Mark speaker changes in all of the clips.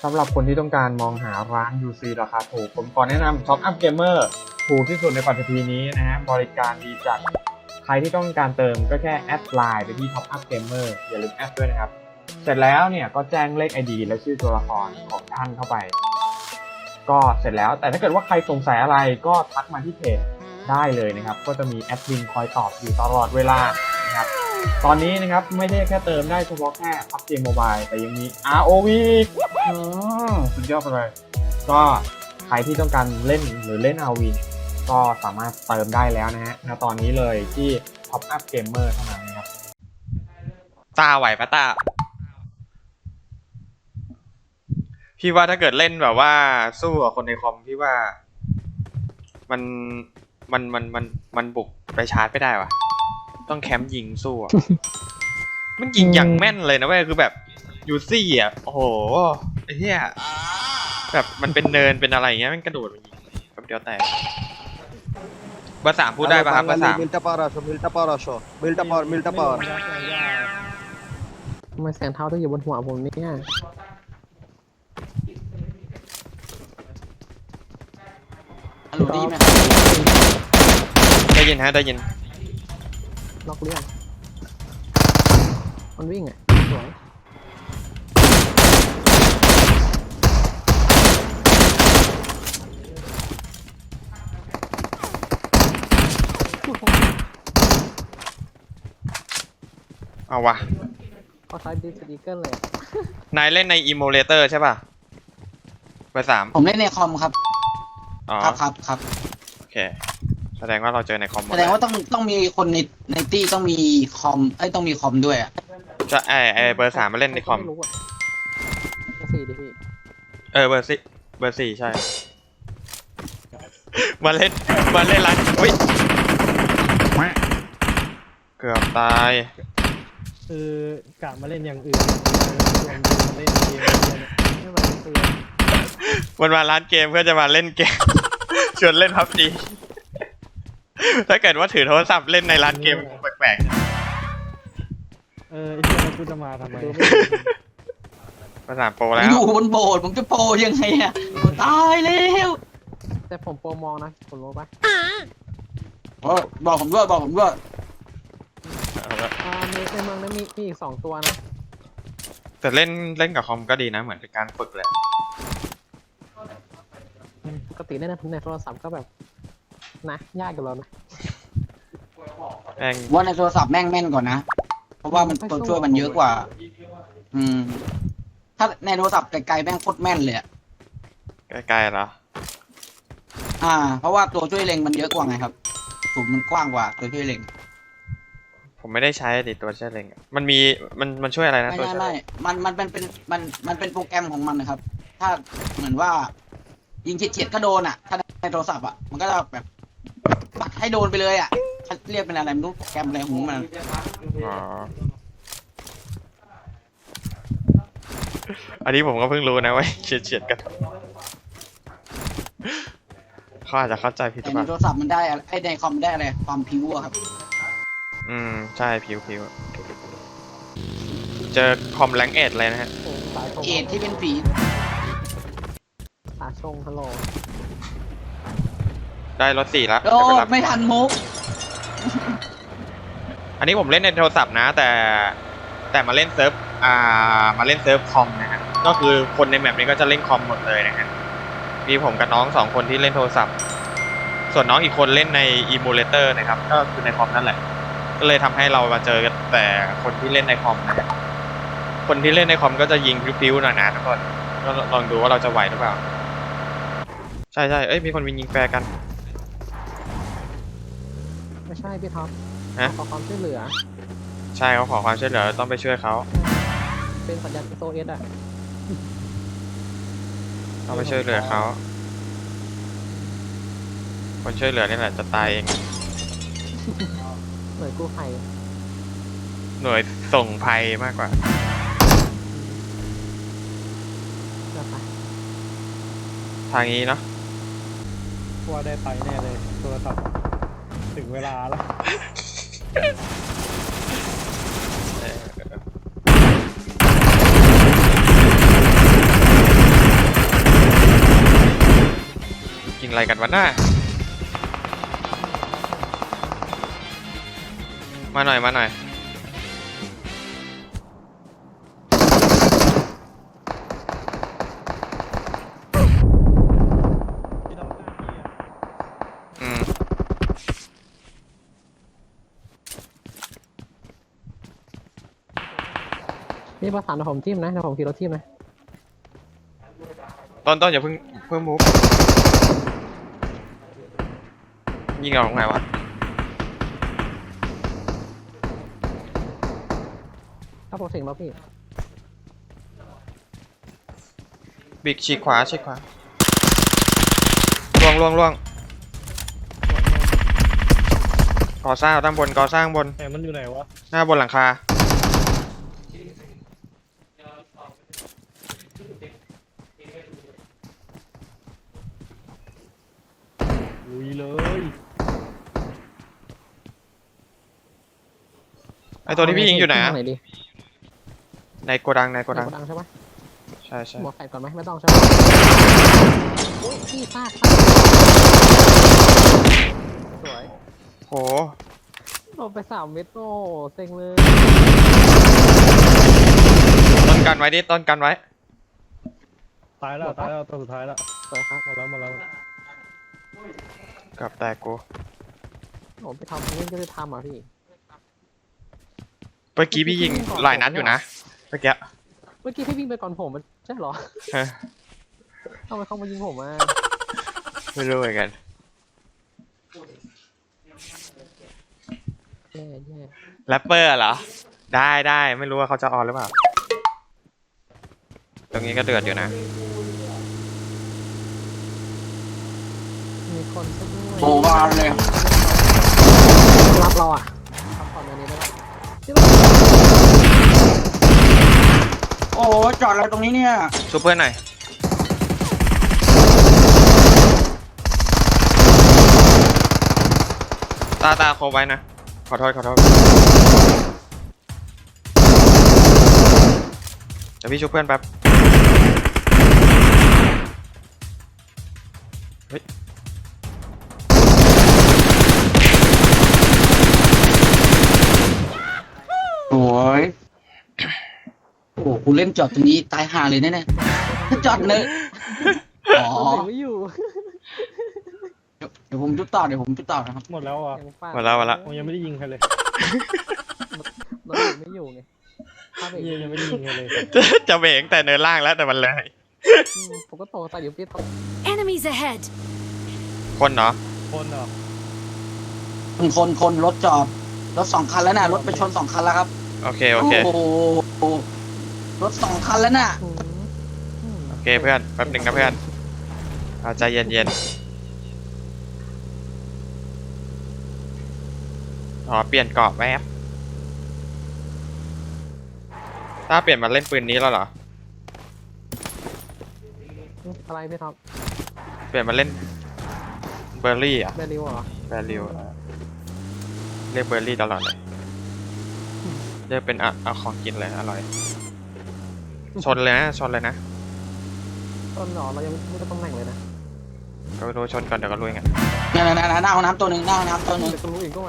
Speaker 1: สำหรับคนที่ต้องการมองหาร้าน UC ราคาถูกผมขอแนะนำ Top Up Gamer ถูกที่สุดในปัจจุบันนี้นะฮะบริการดีจัดใครที่ต้องการเติมก็แค่แอดไลน์ไปที่ Top Up Gamer อย่าลืมแอดด้วยนะครับเสร็จแล้วเนี่ยก็แจ้งเลข ID และชื่อตัวละครของท่านเข้าไปก็เสร็จแล้วแต่ถ้าเกิดว่าใครสงสัยอะไรก็ทักมาที่เพจได้เลยนะครับก็จะมีแอดมินคอยตอบอยู่ตลอดเวลานะครับตอนนี้นะครับไม่ได้แค่เติมได้เฉพาะแค่ PUBG Mobile แต่ยังมี ROV สุดยอดไปเลยก็ใครที่ต้องการเล่นหรือเล่น ROV ก็สามารถเติมได้แล้วนะฮะณตอนนี้เลยที่ Top Up Gamer เท่านั้นนะครับ
Speaker 2: ตาไหวปะตาพี่ว่าถ้าเกิดเล่นแบบว่าสู้กับคนในคอมพี่ว่ามันบุกไปชาร์จไม่ได้วะต้องแคมป์ยิงสู้อะ มันยิงอย่างแม่นเลยนะเว้ยคือแบบยูซี่อ่ะโอ้โหไอ้เหี้ยแบบมันเป็นเนินเป็นอะไรอย่างเงี้ยมันกระโดดมายิงแบบเดียวแตกเบอร์ 3พูดได้ป่ะครับเบอร์ 3
Speaker 3: มิลตาปาราโชมิลตาปาราโชมิลตาปามิลตาปา
Speaker 4: ทำไมแสงเท้าต้องอยู่บนหัวผมเนี่ย
Speaker 5: ฮัลโหลได้ยินไหม
Speaker 2: ได้ยินฮะได้ยิน
Speaker 4: ล็อกเรื่องมันวิ่งอ่ะสวย
Speaker 2: เอาวะ
Speaker 4: เขาใช้ดิสติกเกอร์เลย
Speaker 2: นายเล่นในอิโมเลเตอร์ใช่ป่ะเบอร์ 3
Speaker 5: ผมเล่นในคอมครับ
Speaker 2: อ๋อ
Speaker 5: ครับ
Speaker 2: โอเคแสดงว่าเราเจอในคอมหมด
Speaker 5: แสดงว่าต้องมีคนในตี้ต้องมีคอมต้องมีคอมด้วยอ่ะ
Speaker 2: จะไอเบอร์ 3มาเล่นในคอม
Speaker 4: เบอร์ 4ดิพี่
Speaker 2: เบอร์ 4ใช่มาเล่นร้านอุ้ยเกือบตาย
Speaker 6: คือกะมาเล่นอย่างอื่นชวนมาเล่นเกม
Speaker 4: ไม่มาเตือน
Speaker 2: มันมาร้านเกมเพื่อจะมาเล่นเกม ชวนเล่นPUBG ถ้าเกิดว่าถือโทรศัพท์เล่นในร้านเกมแปลก
Speaker 6: ไอ้เหี้ยกูจะมาทำไม
Speaker 2: ภาษาโปรแล้ว
Speaker 5: อยู่บนโบสถ์ผมจะโปรยังไงอ่ะตายแล้ว
Speaker 4: แต่ผมโปรมองนะผมรู้ปะ
Speaker 5: บอกผมด้วย
Speaker 4: ในเมืองนั้นมีอีก2ตัวนะ
Speaker 2: แต่เล่นกับคอมก็ดีนะเหมือนเป็นการฝึกเลย
Speaker 4: ปกติเล่นในโทรศัพท์ก็แบบนะยากกับเรานะ
Speaker 5: ว่าในโทรศัพท์แม่นก่อนนะเพราะว่ามันตัวช่วยมันเยอะกว่าถ้าในโทรศัพท์ไกลๆแม่งโคตรแม่นเลย
Speaker 2: ไกลๆเหรอ
Speaker 5: เพราะว่าตัวช่วยเล็งมันเยอะกว่าไงครับสูงมันกว้างกว่าตัวช่วยเล็ง
Speaker 2: ผมไม่ได้ใช้ดิตัวช่วยเล็งมันช่วยอะไรนะตัวช่วย
Speaker 5: ไม่มันเป็นโปรแกรมของมันนะครับถ้าเหมือนว่ายิงเฉียดก็โดนอ่ะถ้าในโทรศัพท์อ่ะมันก็จะแบบปัดให้โดนไปเลยอ่ะเรียกเป็นอะไรไม่รู้โปรแกรมอะไรของมัน
Speaker 2: อ๋ออันนี้ผมก็เพิ่งรู้นะว่าเฉียดกันเขาอาจจะเข้าใจผิดหรือเปล่า
Speaker 5: ในโทรศัพท์มันได้ในคอมได้อะไรความพิ้วอะครับ
Speaker 2: ใช่ผิวเจอคอมแรงเอทเลยนะฮะ
Speaker 5: เอทที่เป็นฝี
Speaker 4: ตาชงฮัลโหล
Speaker 2: ได้รถ4แล้ว
Speaker 5: ไม่ทันมุก
Speaker 2: อันนี้ผมเล่นในโทรศัพท์นะแต่มาเล่นเซิร์ฟคอมนะฮะก็คือคนในแมปนี้ก็จะเล่นคอมหมดเลยนะฮะมีผมกับน้อง2คนที่เล่นโทรศัพท์ส่วนน้องอีกคนเล่นในอิมูเลเตอร์นะครับก็คือในคอมนั่นแหละก็เลยทำให้เรามาเจอกันแต่คนที่เล่นในคอมนะคนที่เล่นในคอมก็จะยิงพิ้วๆหน่อยนะทุกคนก็ลองดูว่าเราจะไหวหรือเปล่าใช่มีคนยิงแฟร์กัน
Speaker 4: ไม่ใช่พี่ท็อปขอความช่วยเหลือ
Speaker 2: ใช่เขาขอความช่วยเหลือต้องไปช่วยเขา
Speaker 4: เป็นสัญญาณSOSอ่ะ
Speaker 2: ต้องไปช่วยเหลือเขาคนช่วยเหลือนี่แหละจะตายเอง
Speaker 4: หน่วยกู้ภัย
Speaker 2: หน่วยส่งภัยมากกว่าทางนี้เนาะ
Speaker 6: ว่าได้ไปแน่เลยโทรศัพท์ถึงเวลาแล้ว
Speaker 2: อะไรกันวะหน้ามาหน่อยมาหน่อย
Speaker 6: ที่เราหน้าพี่อะ
Speaker 2: อืม
Speaker 4: พี่ประสานกับผมทีมนะเดี๋ยวผมขี่รถทีมนะ
Speaker 2: ต้นอย่าเพิ่งมูฟยิงออกไงวะ
Speaker 4: ถ้าผมถึงแล้วพี่
Speaker 2: บิ๊กฉีกขวาล่วงก่อสร้างด้านบนก่อสร้างบน
Speaker 6: แต่มันอยู่ไหนวะ
Speaker 2: หน้าบนหลังคา
Speaker 6: ลุยเลย
Speaker 2: ไอตัวที่พี่ยิงอยู่ไหน
Speaker 4: ทา
Speaker 2: อะ
Speaker 4: งไหนดี
Speaker 2: ในโกดัง
Speaker 4: ในโกดังใช่ปะ
Speaker 2: ใช่
Speaker 4: หมวกแฟดก่อนไหมไม่ต้องใช่ปะโอ้ยพี่ซากสวย
Speaker 2: โห
Speaker 4: โดนไป3 เม็ดโอ้เซ็งเลย
Speaker 2: ต้นกันไว้ดิต้นกันไว้
Speaker 6: ตายแล้วตัวสุดท้ายแล้ว
Speaker 4: สวยครับ
Speaker 6: หมดแล้ว
Speaker 2: กับแตกกู
Speaker 4: โอ้ไปทำเล่นก็ได้ทำอ่ะพี่
Speaker 2: เมื่อกี้พี่ยิงหลายนัดอยู่นะเมื่อกี้
Speaker 4: เมื่อกี้พี่วิ่งไปก่อนผมมันใช่เหรอ
Speaker 2: ฮะ
Speaker 4: ทำไมเขามายิงผมอ่ะ
Speaker 2: ไม่รู้เหมือนกัน
Speaker 4: แย่
Speaker 2: แรปเปอร์เหรอได้ไม่รู้ว่าเขาจะออนหรือเปล่าตรงนี้ก็เดือดอยู่นะ
Speaker 4: มีคนซะด้วย
Speaker 5: โอ้บานเลย
Speaker 4: รับเราอ่ะทำก่อนเดี๋ยวนี้ได้ปะ
Speaker 5: โอ้จอดอะไรตรงนี้เนี่ย
Speaker 2: ช่วยเพื่อนหน่อยตาโคไว้นะขอโทษเดี๋ยวพี่ช่วยเพื่อนแป๊บเฮ้ย
Speaker 5: โอ้ยโอ้กูเล่นจอดตรงนี้ตายห่าเลยแน่ๆถ้าจอดเนอะอ๋อ
Speaker 4: ผมไม่อยู่
Speaker 5: เดี๋ยวผมจุดต่อนะครับ
Speaker 6: หมดแล้วอ่ะ
Speaker 4: ยังฟาด
Speaker 2: มาแล้ว
Speaker 6: ผมยังไม่ได้ยิงใครเลย
Speaker 4: รถไม่อยู่ไงถ้าเบรก
Speaker 6: ยังไม่ได้ยิงใครเลย
Speaker 2: จะเบรกแต่เนินล่างแล้วแต่มันเลย
Speaker 4: ผมก็ตกใส่เดี๋ยวพี่ตก
Speaker 7: Enemies ahead!
Speaker 2: คนเนาะ
Speaker 6: คนเหรอ
Speaker 5: คนรถจอดรถ2 คันแล้วน่ะรถไปชน2 คันแล้วครับ
Speaker 2: โอเค
Speaker 5: โอ้โหรถ2 คันแล้วน่ะ
Speaker 2: โอเคเพื่อนแป๊บหนึ่งนะเพื่อนเอาใจเย็นอ๋อเปลี่ยนเกราะแวบถ้าเปลี่ยนมาเล่นปืนนี้แล้วเหรอ
Speaker 4: อะไรพี่ท็อป
Speaker 2: เปลี่ยนมาเล่นเบอร์รี่อ่ะ
Speaker 4: แบริวเหรอ
Speaker 2: แบร์ริวเรียกเบอร์รี่ตลอดเลยเรียกเป็นเอาของกินเลยอร่อยชนเลยนะ
Speaker 4: ต้นหรอเรายังไม่ได้ตำแหน่งเลยนะ
Speaker 2: ก็รู้ชนก่อนเดี๋ยวก็รู้ไง
Speaker 5: นั่นหน้าห้องน้ำตัวหนึ่งหน้าห้องน้ำตัวหนึ่ง
Speaker 4: เดี๋ยวก็รู้อีกก็มา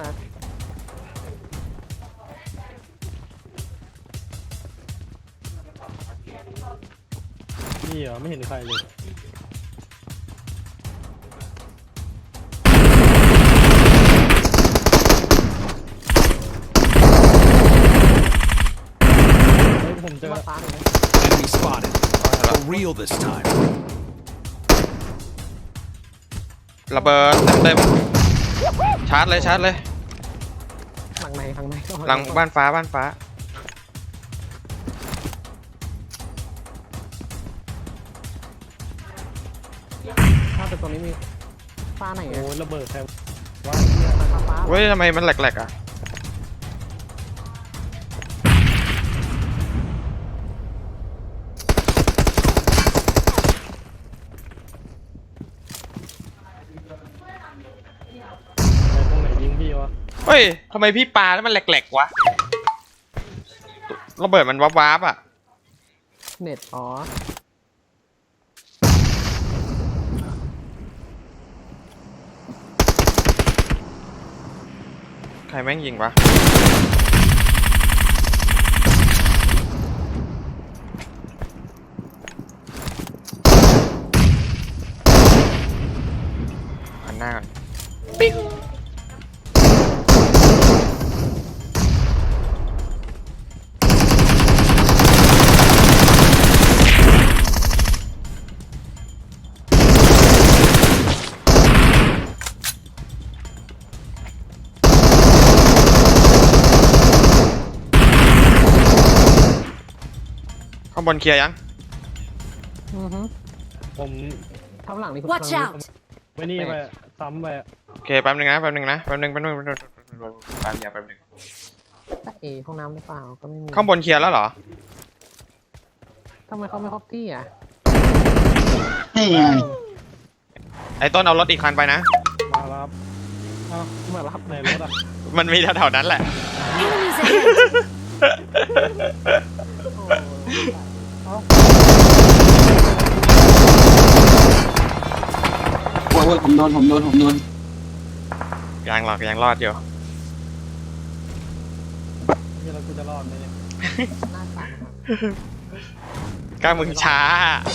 Speaker 6: นี่เหรอไม่เห็นใครเลยเฮ้ยผมเจอ
Speaker 4: มาฟ้าเลยนะ
Speaker 8: Enemy spotted. For real this time.
Speaker 2: ระเบิดเต็มชาร์จเลย
Speaker 4: หลังไหน
Speaker 2: หลังบ้านฟ้า
Speaker 4: ถ้าเป็นตรงนี้มีฟ้าไหน
Speaker 6: โอ้
Speaker 4: อ่ะ
Speaker 6: ยระเบิดใครวะ
Speaker 4: ฟ้า
Speaker 2: เฮ้ยทำไมมันแหลกๆอ่ะ
Speaker 6: ไหนตรงไหนยิงพี่วะ
Speaker 2: เฮ้ยทำไมพี่ปาแล้วมันแหลกๆวะระเบิดมันวับๆอ่ะ
Speaker 4: เน็ตอ๋อ
Speaker 2: รแม่งยิงวะหันหน้าก่อนปิ๊งข้างบนเคลียร์ยัง
Speaker 4: อือฮึ
Speaker 6: ผม
Speaker 4: ทำหลังนี่
Speaker 7: Watch out!
Speaker 6: ไม่นี่ไปซ้ำไป
Speaker 2: โอเคแป๊บนึงนะแป๊บนึงแป๊บนึงอย่าแป๊บนึง
Speaker 4: แต่เอห้องน้ำหรือเปล่าก็ไม่มี
Speaker 2: ข้างบนเคลียร์แล้วเหรอ
Speaker 4: ทำไมเขาไม่ครบที่อ่ะ
Speaker 5: นี่ไง
Speaker 2: ไอ้ต้นเอารถอีกคันไปนะ
Speaker 6: มารับอ้าวมารับในรถอ่ะ
Speaker 2: มันมีแถวๆนั้นแหละ
Speaker 7: Enemies ahead!
Speaker 5: โอ้ยผมโดน
Speaker 2: ยังหรอกยังรอดอยู่
Speaker 6: นี่เรากูจะรอดไหมเนี่ย
Speaker 4: หน้าสั่นครับ
Speaker 2: กล้ามึงช้า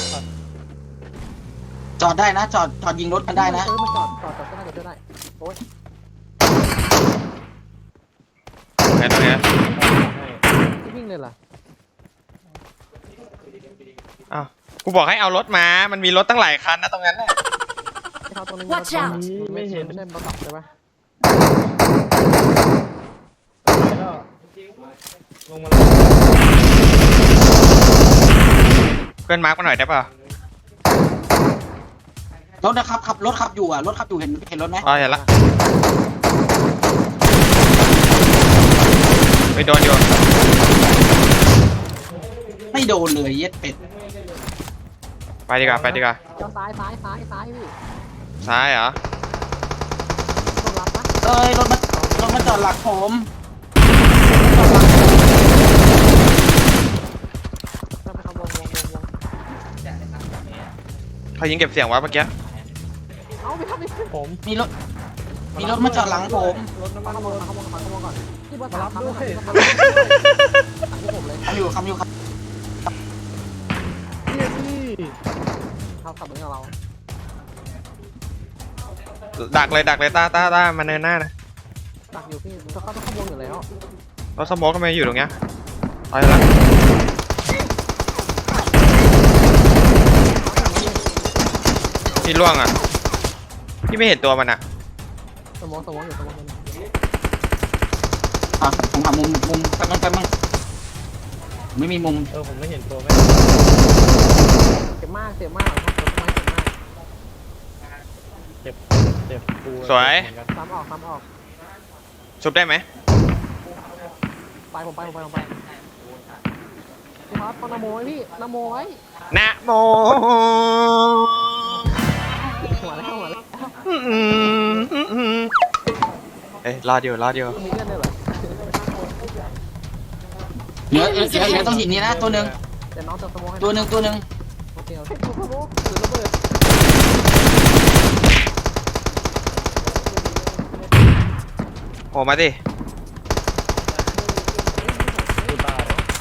Speaker 5: จอดได้นะ จอดยิงรถกันได้นะ
Speaker 4: มันจอดก็ได้โอ๊ย
Speaker 2: ไหนตรงเนี้ย
Speaker 4: ที่วิ่งเลยเหรอ
Speaker 2: อ้าวกูบอกให้เอารถมา มันมีรถตั้งหลายคันนะตรงนั้นน่ะ
Speaker 4: ที่เขาตรงนี้
Speaker 7: Watch out
Speaker 6: ไม่เห็น
Speaker 4: ไม่ใช่บอลตับใช่ปะ
Speaker 6: แล้วลงมาแล้ว
Speaker 2: เพื่อนมาร์กมาหน่อยได้ป่ะ
Speaker 5: รถนะครับรถขับอยู่อ่ะ รถขับอยู่เห็นรถไหม
Speaker 2: อ๋อเห็นละไม่โดนโยน
Speaker 5: ไม่โดนเลยเย็ดเป็ด
Speaker 2: ไปดีกว่าไปดีกว่า
Speaker 4: เจ้าซ้ายพี่
Speaker 2: ซ้ายเหรอ
Speaker 4: โดนรับปะ
Speaker 5: เอ้ยรถมาจอดหลักผม
Speaker 4: เราไปทำวง
Speaker 2: เขายิงเก็บเสียงวะเมื่อกี้
Speaker 4: เอาไปทำไป
Speaker 6: ผม
Speaker 5: มีรถมาจอดหลังผม
Speaker 6: รถน้ำมัน
Speaker 4: ขโม
Speaker 6: ร
Speaker 4: ย
Speaker 6: ถ
Speaker 4: ก่อนที่บอล
Speaker 6: มารับด้วย
Speaker 4: ที่ผมเลย
Speaker 5: คำอยู่ครับ
Speaker 6: พี่
Speaker 4: เขาขับเหมือนกับเรา
Speaker 2: ดักเลยต้ามาเนินหน้านะ
Speaker 4: ตักอยู่พี่เขาต้องขโมยอยู่แล้ว
Speaker 2: รถสโมกก็ไม่อยู่ตรงเนี้ยไปละพี่ล่วงอ่ะพี่ไม่เห็นตัวมันอ่ะ
Speaker 4: สมองอยู่
Speaker 5: ผมหามุมแป๊บนึงไม่มีมุม
Speaker 6: ผมไม่เห็นตัวแม่
Speaker 4: เจ็บมากครับต้นไม้เจ็บมาก
Speaker 6: เจ็บกู
Speaker 2: สวย
Speaker 4: ซ้ำออก
Speaker 2: ชุบได้ไหม
Speaker 4: ไปผมไปพี่ครับนโมไว้พี่นโมไว้
Speaker 2: นะโม
Speaker 4: หัวแล้ว
Speaker 2: เอ้ยรอดอยู่
Speaker 4: มีเลือดด้วยเหรอ
Speaker 5: เหลือต้องหินนี้นะตัวหนึ่ง
Speaker 4: เดี๋ยวน้องเติมสโมให้
Speaker 5: ตัวหนึ่ง
Speaker 4: โอเคสโมถือระเบิด
Speaker 2: โอ้มาดิ
Speaker 6: กูตาย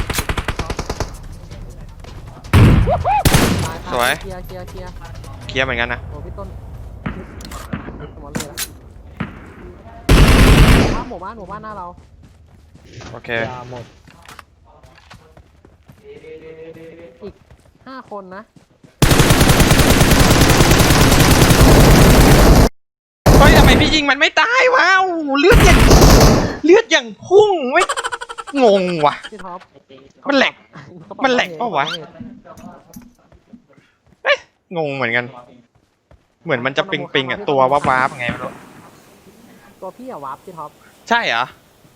Speaker 2: สวย
Speaker 4: เคลียร์
Speaker 2: เคลียร์เหมือนกันนะ
Speaker 4: โอ้พี่ต้นสมองเลยแล้วหมู่บ้านหน้าเรา
Speaker 2: โอเค
Speaker 6: ยาหมด
Speaker 4: อีก5 คนนะ
Speaker 2: เฮ้ยทำไมพี่ยิงมันไม่ตายวะโอ้โหเลือดอย่างพุ่งไม่งงว่ะ
Speaker 4: พี่ท็อป
Speaker 2: มันแหลกเปล่าวะ งงเหมือนกัน เหมือนมันจะปิงอ่ะตัววาบๆไงไม่รู้
Speaker 4: ตัวพี่อะวาร์ปพี่ท็อป
Speaker 2: ใช่เหรอ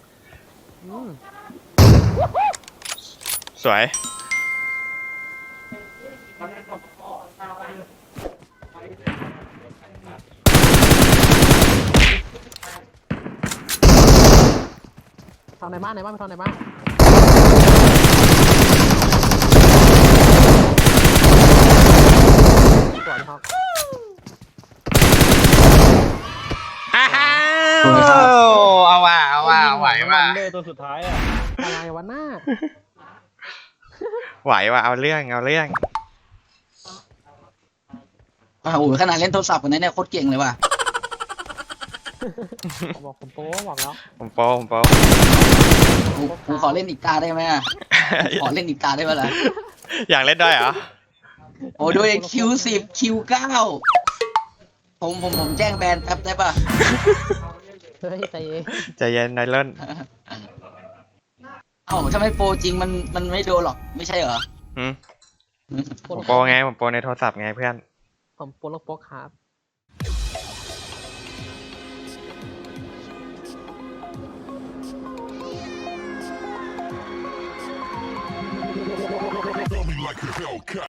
Speaker 2: สวย
Speaker 4: ทำในบ้านไปทำในบ้าน สวยครับ
Speaker 2: อ้าวเอาว่ะว่ะ
Speaker 6: วันเดอร์ตัวสุดท้ายอ่ะ
Speaker 4: อะไรวะหน้า
Speaker 2: ไหวว่ะเอาเรื่องเอาเรื่อง
Speaker 5: โอ้โหขนาดเล่นโทรศัพท์กันนะเนี่ยโคตรเก่งเลยว่ะ
Speaker 4: บอกผมโป้บอกแล้ว
Speaker 2: ผมโป้ผมโป้
Speaker 5: กูขอเล่นอีกตาได้ไหมอะขอเล่นอีกตาได้ไหมล่ะ
Speaker 2: อยากเล่นด้วยเหรอ
Speaker 5: โอ้ด้วย Q10 Q9 ผมแจ้งแบนแป๊บได้ป่ะ
Speaker 4: เฮ้ยใจเย็น
Speaker 2: ใจเย็นนายเล่น
Speaker 5: เอ้าถ้าไม่โปรจริงมันไม่โดนหรอกไม่ใช่เหรอ
Speaker 2: หืมผมโป้ไงผมโป้ในโทรศัพท์ไงเพื่อน
Speaker 4: ผมโป้ลูกโป๊กครับ
Speaker 8: Tell me like a Hellcat.